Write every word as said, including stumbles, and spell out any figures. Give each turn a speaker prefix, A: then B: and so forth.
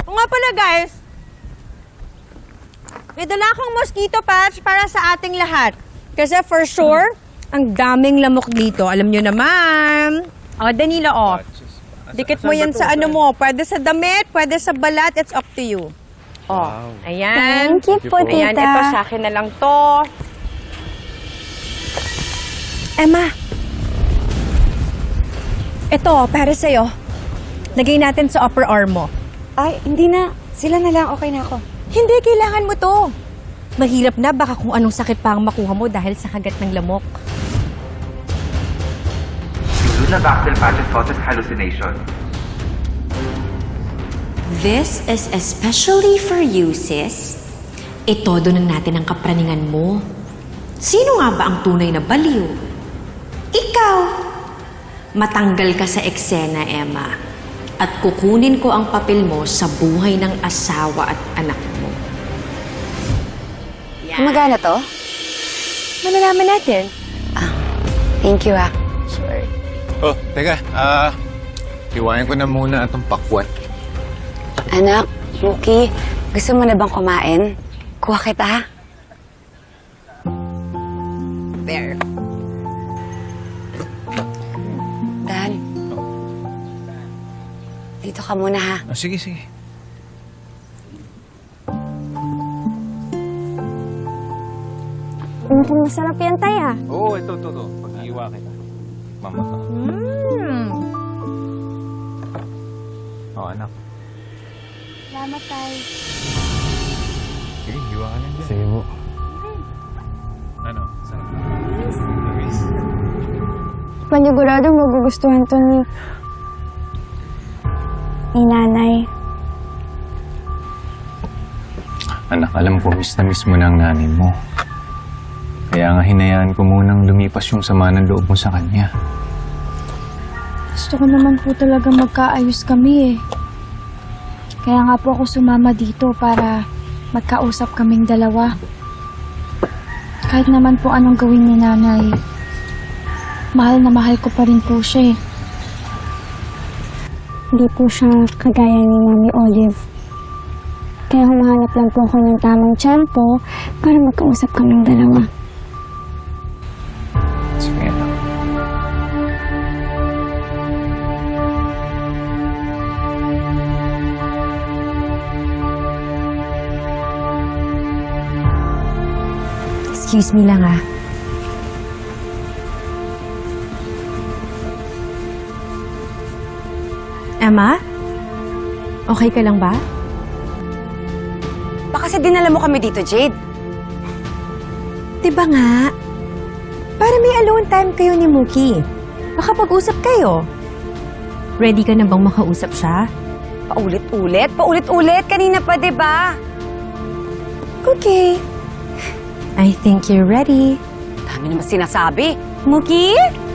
A: O nga pala guys, may dala akong mosquito patch para sa ating lahat. Kasi for sure, ang daming lamok dito. Alam nyo naman. O, Danilo, o. Dikit mo yan sa ano mo. Pwede sa damit, pwede sa balat. It's up to you. O, ayan.
B: Thank you po,
A: Ayan,
B: tita.
A: ito sa akin na lang to. Emma. Ito, para sa'yo. Lagay natin sa upper arm mo.
B: Ay, hindi na. Sila na lang. Okay na ako.
A: Hindi, kailangan mo to. Mahirap na, baka kung anong sakit pa ang makuha mo dahil sa kagat ng lamok.
C: Luna-Bactyl patches causes hallucination.
D: This is especially for you, sis. Itodo na natin ang kapraningan mo. Sino nga ba ang tunay na baliw? Ikaw! Matanggal ka sa eksena, Emma. At kukunin ko ang papel mo sa buhay ng asawa at anak mo.
B: Gumagana to?
A: Malalaman natin.
B: Thank you, ah.
E: Oh, teka. Ah, iwain ko na muna itong pakwan.
B: Anak, Muki, gusto mo na bang kumain? Kuha kita.
A: There.
B: Dan. Dito ka muna, ha?
E: Oh, sige, sige.
B: Mukhang masarap yan, tay, ah.
F: Oo, oh, ito, ito, ito. Pag-iiwa kita. Mamata.
A: Mm.
F: Oo, oh, anak.
B: Salamat, tay.
F: Sige, iwa ka lang dyan.
E: Sige po.
F: Ano? Sarap.
B: Panigurado magugustuhan to ni... ni nanay.
E: Anak, alam ko, miss na miss mo na ang nanay mo. Kaya nga hinayaan ko munang lumipas yung sama ng loob mo sa kanya.
G: Gusto ko naman po talaga magkaayos kami eh. Kaya nga po ako sumama dito para magkausap kaming dalawa. Kahit naman po anong gawin ni nanay, mahal na mahal ko pa rin po siya eh.
B: Hindi po siya kagaya ni Mami Olive. Kaya humahanap lang po ako ng tamang tiyempo para magkausap kaming dalawa.
E: Sige, anak.
A: Excuse me lang, ah. Emma? Okay ka lang ba?
B: Baka kasi dinala mo kami dito, Jade.
A: Diba nga? Para may alone time kayo ni Muki. Baka pag-usap kayo. Ready ka na bang makausap siya?
B: Paulit-ulit? Paulit-ulit? Kanina pa, di ba?
A: Okay. I think you're ready.
B: Dami naman sinasabi. Muki?